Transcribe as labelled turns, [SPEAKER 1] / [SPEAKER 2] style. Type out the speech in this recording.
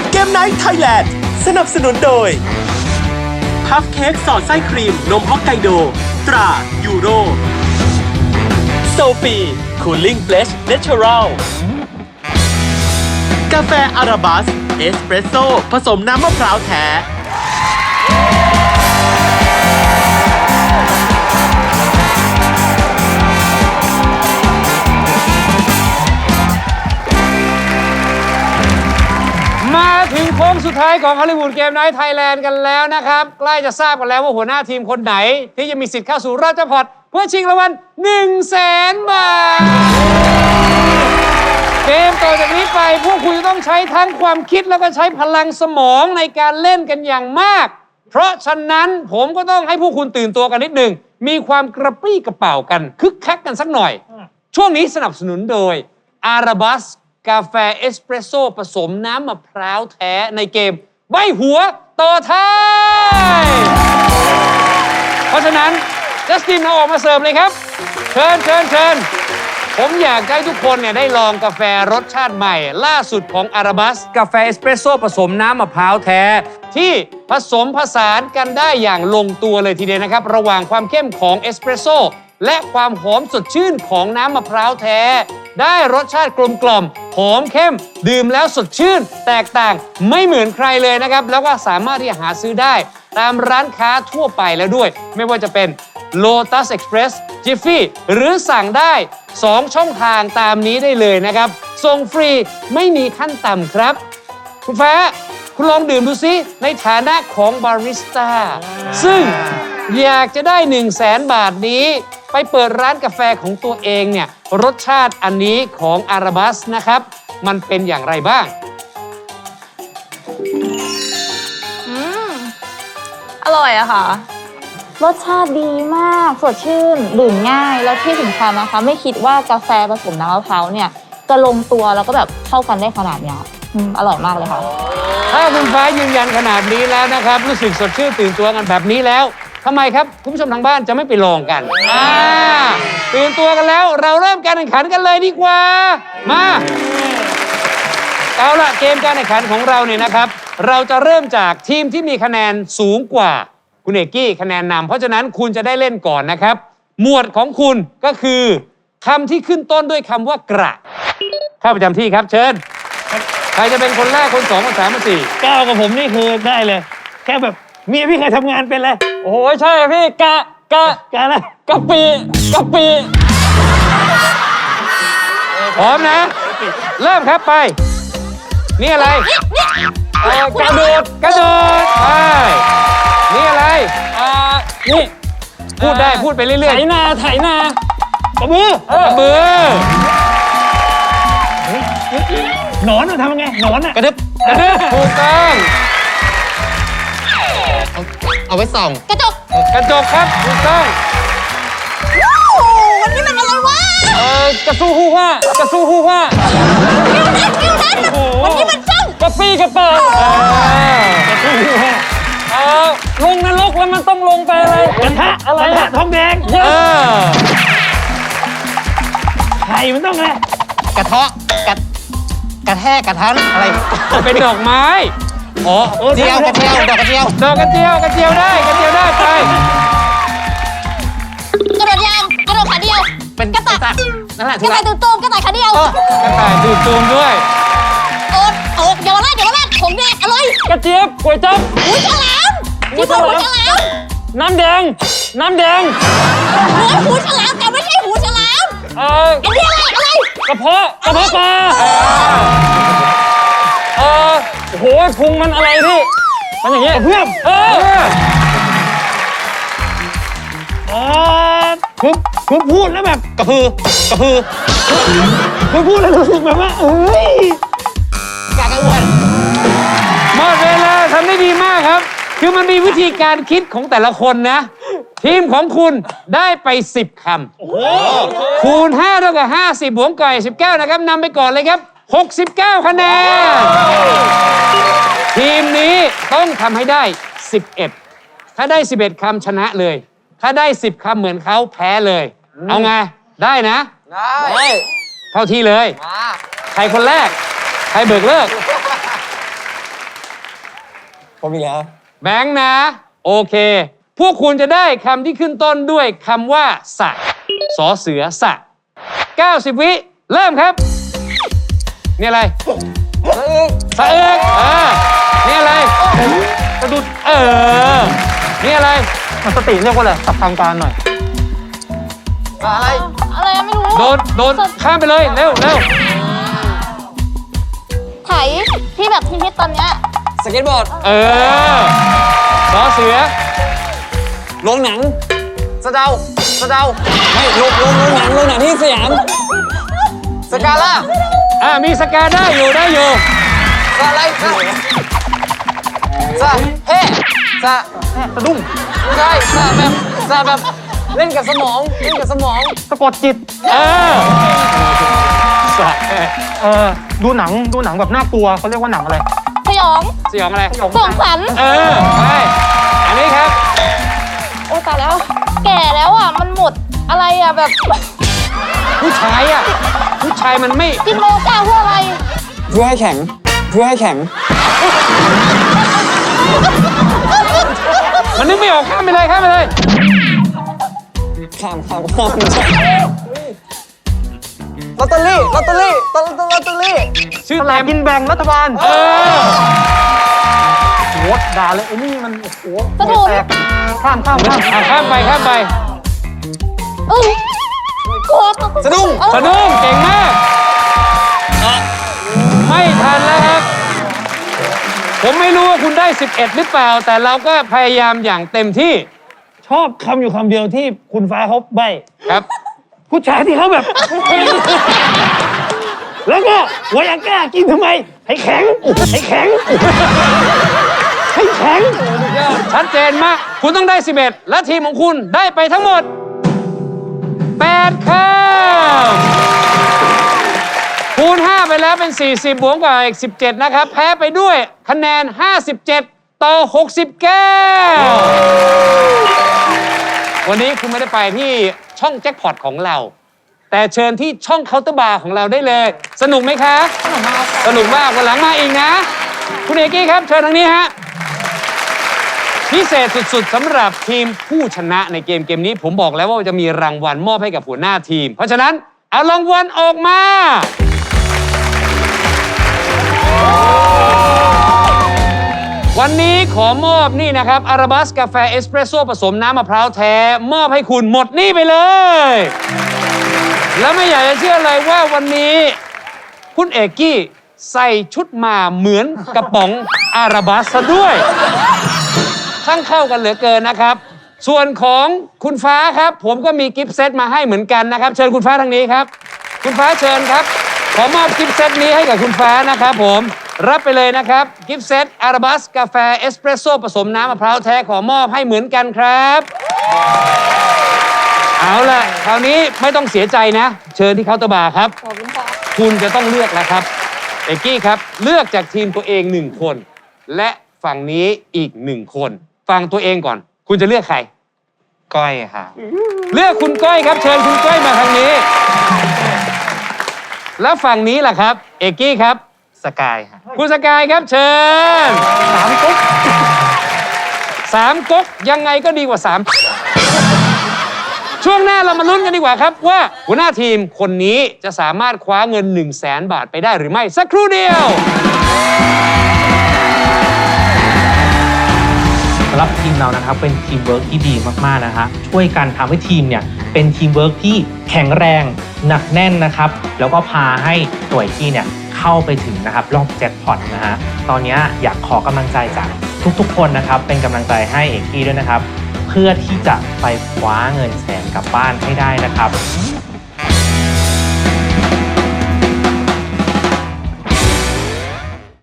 [SPEAKER 1] เกมไนท์ไทยแลนด์สนับสนุนโดยพัฟเค้กสอดไส้ครีมนมฮอกไกโดตรายูโรโซฟีคูลิ่งเฟลชเนเชอรัลกาแฟอาราบัสเอสเปรสโซ่ผสมน้ำมะพร้าวแท้
[SPEAKER 2] มาถึงโค้งสุดท้ายของฮอลลีวูดเกมไนท์ไทยแลนด์กันแล้วนะครับใกล้จะทราบกันแล้วว่าหัวหน้าทีมคนไหนที่จะมีสิทธิ์เข้าสู่รอบแจ็คพอตเพื่อชิงรางวัล100,000 บาทเกมต่อจากนี้ไปพวกคุณจะต้องใช้ทั้งความคิดแล้วก็ใช้พลังสมองในการเล่นกันอย่างมากเพราะฉะนั้นผมก็ต้องให้พวกคุณตื่นตัวกันนิดหนึ่งมีความกระปรี้กระเป๋ากันคึกคักกันสักหน่อยช่วงนี้สนับสนุนโดยอาราบัสกาแฟเอสเปรสโซ่ผสมน้ำมะพร้าวแท้ในเกมใบหัวต่อท้ายเพราะฉะนั้นจัสตินเอาออกมาเสิร์ฟเลยครับเชิญผมอยากให้ทุกคนเนี่ยได้ลองกาแฟรสชาติใหม่ล่าสุดของอาราบัสกาแฟเอสเปรสโซ่ผสมน้ำมะพร้าวแท้ที่ผสมผสานกันได้อย่างลงตัวเลยทีเดียวนะครับระหว่างความเข้มของเอสเปรสโซ่และความหอมสดชื่นของน้ำมะพร้าวแท้ได้รสชาติกลมกล่อมหอมเข้มดื่มแล้วสดชื่นแตกต่างไม่เหมือนใครเลยนะครับแล้วก็สามารถที่จะหาซื้อได้ตามร้านค้าทั่วไปแล้วด้วยไม่ว่าจะเป็น Lotus Express Jiffy หรือสั่งได้2ช่องทางตามนี้ได้เลยนะครับส่งฟรีไม่มีขั้นต่ำครับคุณฟ้าคุณลองดื่มดูซิในฐานะของบาริสต้าซึ่งอยากจะได้100,000 บาทนี้ไปเปิดร้านกาแฟของตัวเองเนี่ยรสชาติอันนี้ของอาราบัสนะครับมันเป็นอย่างไรบ้าง
[SPEAKER 3] อร่อยอะค่ะรสชาติดีมากสดชื่นดื่มง่ายแล้วที่สำคัญนะคะไม่คิดว่ากาแฟผสมน้ำมะพร้าวเนี่ยจะลงตัวแล้วก็แบบเข้ากันได้ขนาดนี้อร่อยมากเลยค่ะ
[SPEAKER 2] ถ้าคุณฟ้ายืนยันขนาดนี้แล้วนะครับรู้สึกสดชื่นตื่นตัวกันแบบนี้แล้วทำไมครับคุณผู้ชมทางบ้านจะไม่ไปลองกันตื่นตัวกันแล้วเราเริ่มการแข่งขันกันเลยดีกว่ามาเอาล่ะเกมการแข่งขันของเราเนี่ยนะครับเราจะเริ่มจากทีมที่มีคะแนนสูงกว่าคุณเอกกี้คะแนนนำเพราะฉะนั้นคุณจะได้เล่นก่อนนะครับหมวดของคุณก็คือคำที่ขึ้นต้นด้วยคำว่ากระเข้าประจำที่ครับเชิญใครจะเป็นคนแรกคนสองคนสามคนสี่
[SPEAKER 4] ก้าวกับผมนี่คือได้เลยแค่แบบเมียพี่เคยทำงานเป็นเลย
[SPEAKER 2] โอ้โหใช่พี่กะ
[SPEAKER 4] อะไร
[SPEAKER 2] กะปิพร้อมนะเริ่มครับไปนี่อะไรกระโดดไปนี่อะไรนี่พูดได้พูดไปเรื่อยๆ
[SPEAKER 4] ไถนากระบือหนอนทำยังไงหนอน
[SPEAKER 2] กระดึบถูกต้อง
[SPEAKER 5] เอาไว้ส่อง
[SPEAKER 3] กระจก
[SPEAKER 2] ครับถูกต้อง
[SPEAKER 3] วันนี้มันอะไรวะ
[SPEAKER 2] กระสู้ฮู้ว่ากระสู้ฮู้ว่า
[SPEAKER 3] คิวนั้นวันนี้มันจ้อง
[SPEAKER 2] กระปี้กระเป๋าก
[SPEAKER 4] ระสู้ฮู้ว่า
[SPEAKER 2] ลงนรกแล้วมันต้องลงไปอะไร
[SPEAKER 4] กระทะอะไรทองแดงไข่มันต้องไง
[SPEAKER 5] กระเทาะกระแทกกระทันอะไร
[SPEAKER 2] เป็นดอกไม้
[SPEAKER 5] เจียวกระเจียวดอกกระเจียว
[SPEAKER 2] ได้ไปกระโดด
[SPEAKER 3] ยางกระโดดขาเดียว
[SPEAKER 5] เป็น
[SPEAKER 3] กระต่าย
[SPEAKER 5] นั่นแหละ
[SPEAKER 3] กระต่ายตื่นตูมกระต่ายขาเดียว
[SPEAKER 2] กระต่ายตื่นตูมด้วย
[SPEAKER 3] เยาวราชผมแดงอร่อย
[SPEAKER 2] กระเจี๊ยบก๋วยจั๊บ
[SPEAKER 3] หูฉลามหูฉลาม
[SPEAKER 2] น้ำแดง
[SPEAKER 3] หูฉลามแต่ไม่ใช่หูฉลามอันนี้อะไร
[SPEAKER 2] กระเพาะปลาโอ้โหพุงมันอะไรพี่มันอย่างเงี้ย
[SPEAKER 4] เพื่อนคือพูดแล้วแบบ
[SPEAKER 5] กระพือ
[SPEAKER 4] คือพูดแล้วรู้สึกแบบว่า
[SPEAKER 5] กากระวน
[SPEAKER 2] หมดเวลาทำได้ดีมากครับคือมันมีวิธีการคิดของแต่ละคนนะทีมของคุณได้ไป10 คำคูณ5เท่ากับ50บวกก่อย19นะครับนำไปก่อนเลยครับ69 คะแนนทีมนี้ต้องทำให้ได้11ถ้าได้11 คำชนะเลยถ้าได้10 คำเหมือนเขาแพ้เลยเอาไงได้นะได้เข้าที่เลยใครคนแรกใครเบิกเลิก
[SPEAKER 5] ผมอีกแล้ว
[SPEAKER 2] แบงค์นะ โอเค พวกคุณจะได้คำที่ขึ้นต้นด้วยคำว่าสะสอเสือสะ90 วิเริ่มครับ นี่อะไรสะเอิกนี่อะไรสะดุดนี่อะไร
[SPEAKER 4] มันสติเรียกว่าอะไรสับทางการหน่อย
[SPEAKER 3] อะไรไม่รู้
[SPEAKER 2] โดนข้ามไปเลยเร็ว
[SPEAKER 3] ไถที่แบบฮิตๆตอนเนี้ย
[SPEAKER 5] สเก็ตบอร์ด
[SPEAKER 2] สอเสือ
[SPEAKER 5] โรงหนังสะเดาไม่โรงหนังที่สยามสกาล่า
[SPEAKER 2] มีสกาได้อยู่
[SPEAKER 5] สะอะไรสะเฮ่สะดุ้งไม่ใช่สะแบบเล่นกับสมอง
[SPEAKER 4] สะกดจิต
[SPEAKER 2] สะ
[SPEAKER 4] ดูหนังแบบน่ากลัวเขาเรียกว่าหนังอะไร
[SPEAKER 3] สยอง
[SPEAKER 2] สยองอะไร
[SPEAKER 3] สองขวัญ
[SPEAKER 2] ไปอันนี้ครับ
[SPEAKER 3] โอ้ตายแล้ว แก่แล้วอ่ะ มันหมดอะไรอ่ะแบบ
[SPEAKER 2] ผู้ชายมันไม่
[SPEAKER 3] กินโมกาเพื่ออะไร
[SPEAKER 5] เพื่อให้แข็ง
[SPEAKER 2] มันนึกไม่ออกข้ามไปเลย
[SPEAKER 5] ข้ามไม่ใช่ ลอตเตอรี่
[SPEAKER 2] ชื่อ
[SPEAKER 4] สลากกินแบ่งรัฐบาล
[SPEAKER 2] เออ
[SPEAKER 4] โหด่าเลยไอ้นี่มันโอ้โห
[SPEAKER 3] สะดุด
[SPEAKER 4] แตกข้าม
[SPEAKER 2] ข้ามไป
[SPEAKER 3] กลัว
[SPEAKER 5] สะดุ้ง
[SPEAKER 2] สะดุ้งเก่งมาก ไม่ทันแล้วครับ ผมไม่รู้ว่าคุณได้ 11 หรือเปล่า แต่เราก็พยายามอย่างเต็มที่
[SPEAKER 4] ชอบคำอยู่คำเดียวที่คุณฟ้าเขาใบ
[SPEAKER 2] ครับ
[SPEAKER 4] ผู้ชายที่เขาแบบ แล้วก็วายาก้ากินทำไม ให้แข็ง
[SPEAKER 2] ชัดเจนมาก คุณต้องได้ 11 และทีมของคุณได้ไปทั้งหมด 8คำคูณ 5 ไปแล้วเป็น 40 บวกกับอีก 17 นะครับ แพ้ไปด้วยคะแนน 57 ต่อ 69 วันนี้คุณไม่ได้ไปที่ช่องแจ็คพอตของเรา แต่เชิญที่ช่องเคาน์เตอร์บาร์ของเราได้เลย สนุกไหมครับ สนุกมากวันหลังมาอีกนะ คุณเอกกี้ครับเชิญทางนี้ฮะ พิเศษสุดๆสำหรับทีมผู้ชนะในเกมนี้ผมบอกแล้วว่าจะมีรางวัลมอบให้กับหัวหน้าทีม เพราะฉะนั้นเอารางวัลออกมา วันนี้ขอมอบนี่นะครับอาราบัสกาแฟเอสเปรสโซ่ผสมน้ำมะพร้าวแท้มอบให้คุณหมดนี่ไปเลย แล้วไม่อยากจะเชื่อเลยว่าวันนี้คุณเอกกี้ใส่ชุดมาเหมือนกระป๋องอาราบัสซะด้วยช่างเข้ากันเหลือเกินนะครับ ส่วนของคุณฟ้าครับผมก็มีกิฟต์เซตมาให้เหมือนกันนะครับ เชิญคุณฟ้าทางนี้ครับ คุณฟ้าเชิญครับ ขอมอบกิฟต์เซตนี้ให้กับคุณฟ้านะครับผมรับไปเลยนะครับกิฟต์เซตอาราบัสกาแฟเอสเปรสโซ่ผสมน้ำมะพร้าวแท้ขอมอบให้เหมือนกันครับเอาล่ะคราวนี้ไม่ต้องเสียใจนะ เชิญที่เคาน์เตอร์บาร์ครับ
[SPEAKER 3] ขอบคุณค่ะ
[SPEAKER 2] คุณจะต้องเลือกแล้วครับเอกกี้ครับเลือกจากทีมตัวเอง1 คน และฝั่งนี้อีก1 คนฟังตัวเองก่อน คุณจะเลือกใคร
[SPEAKER 5] ก้อยค่ะ
[SPEAKER 2] เลือกคุณก้อยครับ เชิญคุณก้อยมาทางนี้ แล้วฝั่งนี้ล่ะครับ เอกกี้ครับ
[SPEAKER 5] สกายค่ะ
[SPEAKER 2] คุณสกายครับเชิญ3 ก๊ก3 ก๊กยังไงก็ดีกว่า 3 ช่วงหน้าเรามาลุ้นกันดีกว่าครับว่าหัวหน้าทีมคนนี้จะสามารถคว้าเงิน 100,000 บาทไปได้หรือไม่สักครู่เดียว
[SPEAKER 6] สำหรับทีมเรานะครับเป็นทีมเวิร์กที่ดีมากๆนะฮะช่วยกันทำให้ทีมเนี่ยเป็นทีมเวิร์กที่แข็งแรงหนักแน่นนะครับแล้วก็พาให้หน่วยที่เนี่ยเข้าไปถึงนะครับรอบแจ็คพอตนะฮะตอนนี้อยากขอกำลังใจจากทุกๆคนนะครับเป็นกำลังใจให้เอกกี้ด้วยนะครับเพื่อที่จะไปคว้าเงิน100,000กลับบ้านให้ได้นะครับ